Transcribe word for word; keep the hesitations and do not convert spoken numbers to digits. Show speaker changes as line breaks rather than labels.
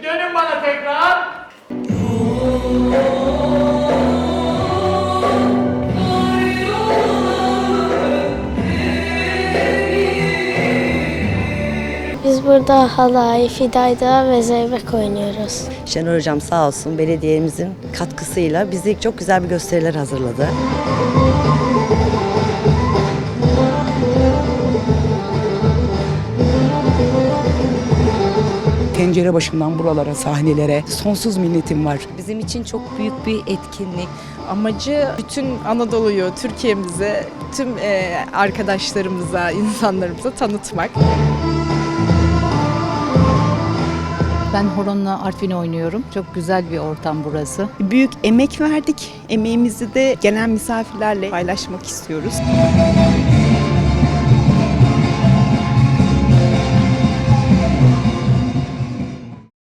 Dönün bana tekrar.
Biz burada halay, fidayda ve zeybek oynuyoruz.
Şenol Hocam sağ olsun belediyemizin katkısıyla bizi çok güzel bir gösteriler hazırladı.
Tencere başından buralara, sahnelere sonsuz minnetim var.
Bizim için çok büyük bir etkinlik. Amacı bütün Anadolu'yu, Türkiye'mize, tüm arkadaşlarımıza, insanlarımıza tanıtmak.
Ben horonla Artvin oynuyorum. Çok güzel bir ortam burası.
Büyük emek verdik. Emeğimizi de gelen misafirlerle paylaşmak istiyoruz.